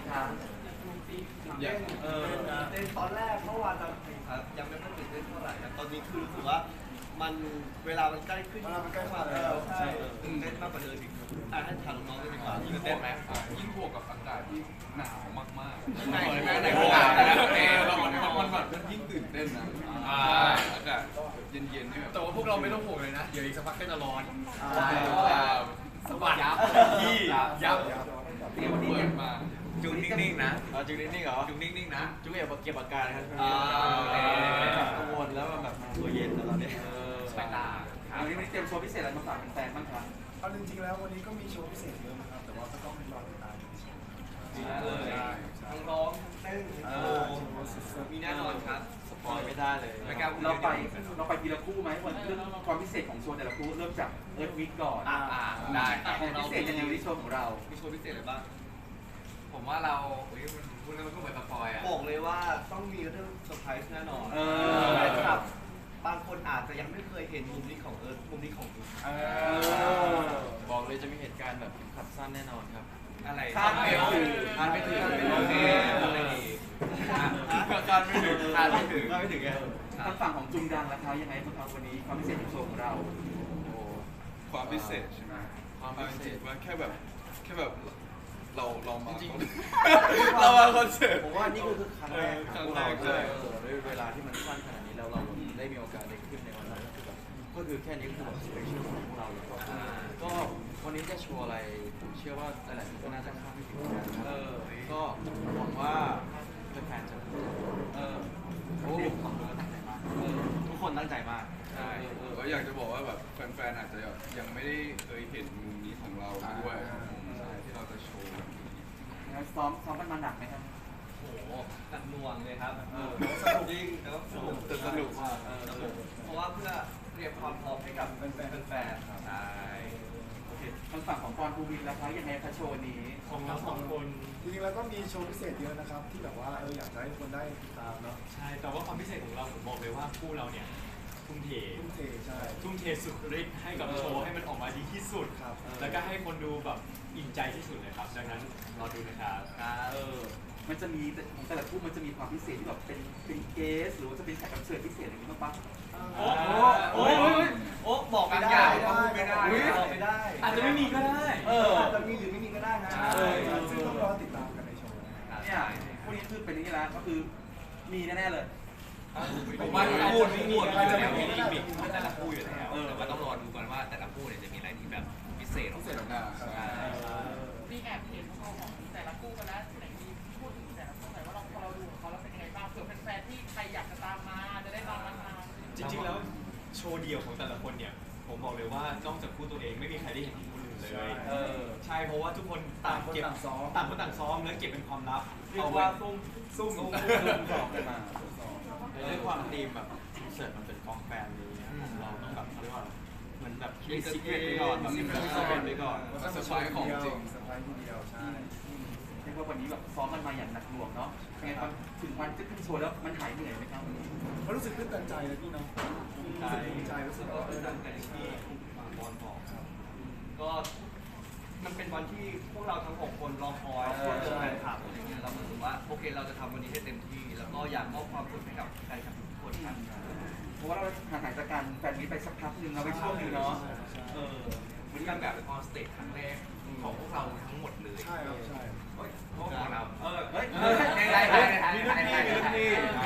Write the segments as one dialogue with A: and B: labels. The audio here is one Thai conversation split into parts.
A: คะ
B: อย่างเต้นตอนแรกเมื่อวานตอนครับยังไม่ค่อยตื่นเต้นเท่าไหร่นะตอนนี้คือรู้สึกว่ามันเวลามันใกล้ขึ้นมาแล้วใช่ตื่นเต้นมากกว่าเดิมอีกให้ถามน้องๆดีกว่า
C: ยิ่งเต้นไหมยิ่งบวกกับอากาศที่หนาวมากๆ
B: ในโอกาสแล้ว
C: เรามันแบบยิ่งตื่นเต้นนะอากาศเย็นๆนี่แบบ
D: แต่ว่าพวกเราไม่ต้องห่วงเลยนะเดี๋ยวอีกสักพักก็จะร้อนสบัดที่ยับ
C: เปิดมา
A: จุงนิ่งๆนะ
D: จุงนิ่งๆเหรอ
A: จุงนิ่งๆนะ
D: จุงอย่าเก็บอาการครับ
A: กังวลแล้วแบบตัวเย็นตอนนี้สายตา
E: วันนี้เตรียมโชว์พิเศษอะไรมาฝากแฟนๆบ้างครับ
F: เอาจริงๆแล้ววันนี้ก็มีโชว์พิเศษเยอะนะครับแต่ว่าก็ต้องรอติดตาม
B: ทั้งร้องทั้งเต้นมีแน่นอนครับ
A: สปอยไม่ได้เลย
E: เราไปทีละคู่ไหมวันเรื่องความพิเศษของโชว์แต่ละคู่เริ่มจากเอิร์ธวิกก่อน
D: ได้
E: พิเศษยังไงในโชว์ของเรา
B: มีโชว์พิเศษอะไรบ้าง
A: ผมว่าเรามันพูดแล้วมันก็เหมือนสปอยอ่ะ
B: บอกเลยว่าต้องมีเรื่องเซอร์ไพรส์แน่นอน
E: ครับ
B: บางคนอาจจะยังไม่เคยเห็นมุมนี้ของเอิร์ธมุมนี้ของดู
A: บอกเลยจะมีเหตุการณ์แบบขับสั้นแน่นอนครับ
B: อะไร
E: คาดไม่ถึง
A: คาดไม่ถึง
B: โอเค
A: คาดไม่ถึงคาดไม่ถึงคาดไม่ถึงไง
E: ทางฝั่งของจุงดังราคายังไงบ้างครับวันนี้ความพิเศษของโชว์ของเรา
C: ความพิเศษใช่ไหมความพิเศษว่าแค่แบบเรามาเรามาคอนเสิร์ต
A: ผมว่านี่คือครั้งแรก
C: ครั้งแรก
A: เล
C: เลย
A: ยเวลาที่มันสั้นขนาดนี้แล้วเราได้มีโอกาสได้ขึ้นในวันนั้นก็คือแบบก็คือแค่นี้คือแบบสเปเชียลของพวกเราเลยก็วันนี้จะโชว์อะไรผมเชื่อว่าหลายๆคนก็น่าจะคาดไม่ถึงกันก็หวังว่าแฟนๆจะโอ้ผมก็ตั้งใจมากทุกคนตั้งใจมาก
C: ใช่ก็อยากจะบอกว่าแบบแฟนๆอาจจะยังไม่ได้เคยเห็นมุมนี้ของเราด้วยที่เราจะโชว์แบบนี้
E: งั้นซ้อมมันมาหนักไหมครับ
B: โอ้โหหนักหน่วงเลยครับสนุกจริงแต่ก็สนุก
C: สนุกมาก
B: เพราะว่าเพื่อเตรียมความพร้อมให้กับแฟนๆครับ
A: ใช่
E: โอเคทางฝั่งของกรภูมิราคายังไงคะโชว์นี้
D: ของทั้งสองคน
F: จริงๆแล้วก็มีโชว์พิเศษเยอะนะครับที่แบบว่าอยากจะให้คนได้ติดตามเนาะ
D: ใช่แต่ว่าความพิเศษของเราผมบอกเลยว่าคู่เราเนี่ยทุ่มเท
F: ทุ่มเทใช่
D: ทุ่มเทสุดฤทธิ์ให้กับโชว์ให้มันออกมาดีที่สุด
F: ครับ
D: แล้วก็ให้คนดูแบบอิ่มใจที่สุดเลยครับดังนั้นรอดูนะครับ
E: มันจะมีของแต่ละคู่มันจะมีความพิเศษที่แบบเป็นเกสหรือว่าจะเป็นแขกรับเชิญพิเศษอะไรอย่างนี้บ้างปะ
B: โอ้บอกไม่ได้บอกไม่ได้
D: อาจจะไม่มีก็ได้
B: อาจจะมีหรือไม่มีก็ได้นะ
F: ซึ่งต้องรอติดตามกันในโชว์นะครับ
E: เนี่ยคู่นี้คือเป็นอย่างนี้แล้วก็คือมีแน่ๆเลย
A: ผมว่าพูดไม่มี
F: มันจะไม่มี
A: แต่ละคู่อยู่แล้วแต่ว่าต้องรอดูก่อนว่าแต่ละคู่เนี่ยจะมีอะไรที่แบบพิเศษออกมา
G: มีแอบเห็นของแต่ละคู่กันแล้วไหนมีพูดถึงแต่ละคู่หน่อยว่าพอเราดูของเขาแล้วเป็นยังไงบ้างเผื่อแฟนๆที่ใครอยากจะตามมาจะได้ตามมาทาน
D: จริงๆแล้วโชว์เดี่ยวของแต่ละคนเนี่ยผมบอกเลยว่านอกจากคู่ตัวเองไม่มีใครได้เห็นคู่อื่นเลยใช่เพราะว่าทุกคนต่างเก็บต่างคนต่างซ้อมแล้วเก็บเป็นความลับ
E: เรียกว่าซุ่มของกันมา
A: ด้วยความธีมแบบคอนเสิร์ตมันเป็นกองแฟนนี้เราต้องแบบเขาเรียกว่าเหมือนแบบมีซิกเก็ตไปก่อนแบบมีซิกเก็ตไปก่อน
C: ก็เซอร์ไพรส์ของจริง
F: เซอร์ไพรส์ทีเดียวใช่
E: เรียกว่าวันนี้แบบซ้อมมันมาอย่างหนักหน่วงเนาะยังไงถึงวันจะขึ้นโชว์แล้วมันหายเหนื่อยไหมครับ
F: เขารู้สึกตื้นตันใจเลยพี่เนาะรู้สึกภูมิใจรู้สึกว่า
B: ตั้งแต่ที่บอลบอกครับก็มันเป็นวันที่พวกเราทั้ง6คนรอคอยเพื่อแฟนคลับอะไรเงี้ยเรารู้สึกว่าโอเคเราจะทำวันนี้ให้เต็มที่ แล้วก็อยากมอบความสุขให้กับแฟนคลับทุกคนครับ
E: เพราะว่าเราห่างหายจากการแฟนมิตรไปสักพักหนึ่งเราไปช่วงหนึงเนาะ
A: มันเป็นแบบออนสเตจครั้งแรกของพวกเราทั้งหมดเลย
F: ใช่ครับใช่
A: พวกเรา
E: เฮ้ย
A: มีรุ่นพี่มีรุ่นพี่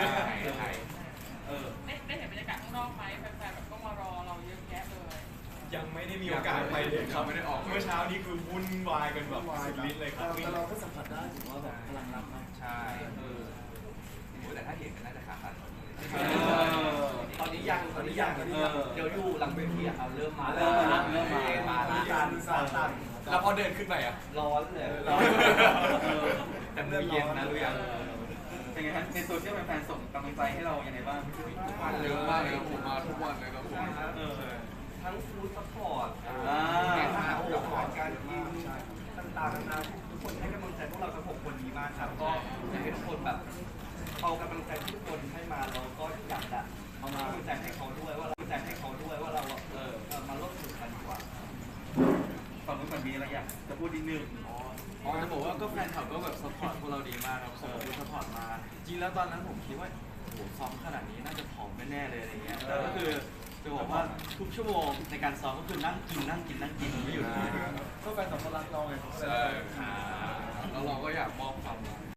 G: ได้เห็นบรรยากาศข้างนอกไหมแฟนๆแบบก็มารอเราเยอะแยะเลย
D: ยังไม่ได้มีโอกาสไปเลยครับไม่ได้ออกเมื่อเช้านี้คือวุ่นวายกันแบบสุดฤทธิ์เลยครับ
F: แต่เราก็สัมผัสได้ถึงว่าแบบพลังรักมาก
A: ใช่แต่ถ้าเห็นก็น่าจะขาด
B: ตอนนี้ยังเดี๋ยวอยู่หลังเวทีอะครับเริ่มมา
F: มีการสานต่าง
D: แล้วพอเดินขึ้นไปอ่ะ
B: ร้อนเลย
A: แต่มือเย็นนะรู้ยัง
E: เป็นไงฮะในโซเชียลแฟนๆส่งกำลังใจให้เราอย่างไรบ้าง
C: เยอะมากเลยผมมาทุกวันเลยครับผม
B: ทั้งฟู้ดซัพพอร์ต
E: า
B: อาหารการกินต่างๆนานาทุกคนให้กำลังใจพวกเราทั้ง6คนนี้มากครับก็อยากให้ทุกคนแบบเอากำลังใจที่ทุกคนให้มาเราก็อยากจะเอามากำลังใจให้เขาด้วยว่าเรามาร่วมสนุกกันดีกว่า
E: ฝั่งนู้นมันมีอะไรอยากจะพูดนิดนึง
A: จอ๋อจะบอกว่าก็แฟนคลับก็แบบซัพพอร์ตพวกเราดีมากครับส่งดูซัพพอร์ตมา จริงแล้วตอนนั้นผมคิดว่าโอ้โหซ้อมขนาดนี้น่าจะผอมแน่ๆเลยอะไรเงี้ยก็คือจะบอกว่าทุกชั่วโมงในการซ้อมก็คือนั่งกินไม่หยุดเลย
F: ก็แฟนคลับเขารักเราไง
C: ใช่แล้วเราก็อยากมอบความรัก